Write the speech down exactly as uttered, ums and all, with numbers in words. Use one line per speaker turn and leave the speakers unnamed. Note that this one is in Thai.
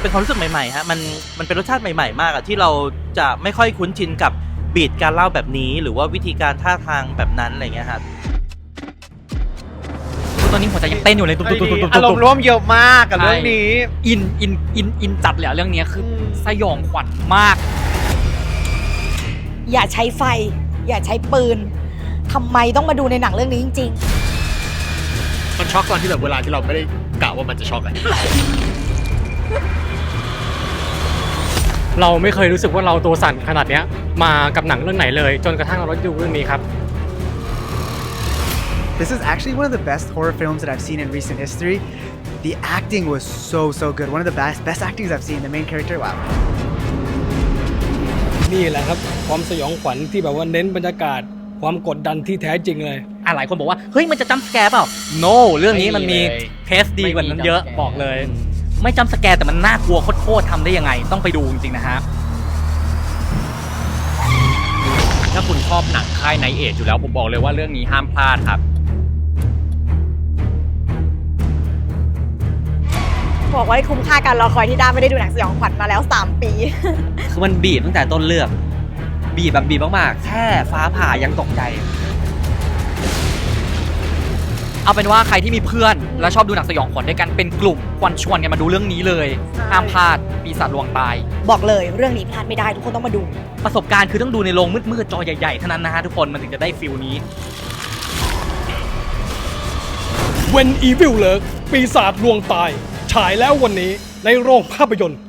เป็นความรู้สึกใหม่ๆฮะมันมันเป็นรสชาติใหม่ๆมากอะที่เราจะไม่ค่อยคุ้นชินกับบีทการเล่าแบบนี้หรือว่าวิธีการท่าทางแบบนั้นอะไรเงี้ยครับ
ตอนนี้หัวใจยังเต้นอยู่เลยตุ๊บตุ๊บตุ๊บตุ๊บ
อารมณ์ร่วมเยอะมากกับเรื่องนี้
อินอินอินอินจัดเลยเรื่องนี้คือสยองขวัญมาก
อย่าใช้ไฟอย่าใช้ปืนทำไมต้องมาดูในหนังเรื่องนี้จริง
ๆมันช็อกตอนที่แบบเวลาที่เราไม่ได้กะว่ามันจะช็อกอะ
เราไม่เคยรู้สึกว่าเราตัวสั่นขนาดนี้มากับหนังเรื่องไหนเลยจนกระทั่งเราได้ดูเรื่องนี้ครับ
This is actually one of the best horror films that I've seen in recent history. The acting was so so good. One of the best best actings I've seen. The main character, wow.
นี่แหละครับความสยองขวัญที่แบบว่าเน้นบรรยากาศความกดดันที่แท้จริงเลย
อ่ะหลายคนบอกว่าเฮ้ยมันจะจัมป์สแกร์เปล่า no เรื่องนี้มันมีเพสดีกว่านั้นเยอะบอกเลยไม่จัมป์สแกร์แต่มันน่ากลัวโคตรๆทำได้ยังไงต้องไปดูจริงๆนะฮะ
ถ้าคุณชอบหนังค่ายไนท์เอจอยู่แล้วผมบอกเลยว่าเรื่องนี้ห้ามพลาดครับ
บอกว่าคุ้มค่าการรอคอยที่ด้าไม่ได้ดูหนังสยองขวัญมาแล้วสามปี
คือมันบีบตั้งแต่ต้นเรื่องบีบแบบบีบมากๆแค่ฟ้าผ่ายังตกใจ
เอาเป็นว่าใครที่มีเพื่อนและชอบดูหนังสยองขวัญด้วยกันเป็นกลุ่มควรชวนกันมาดูเรื่องนี้เลยห้ามพลาดปีศาจลวงตาย
บอกเลยเรื่องนี้พลาดไม่ได้ทุกคนต้องมาดู
ประสบการณ์คือต้องดูในโรงมืดๆจอใหญ่ๆเท่านั้นนะฮะทุกคนมันถึงจะได้ฟิลนี้
When Evil Lurks ปีศาจลวงตายฉายแล้ววันนี้ในโรงภาพยนตร์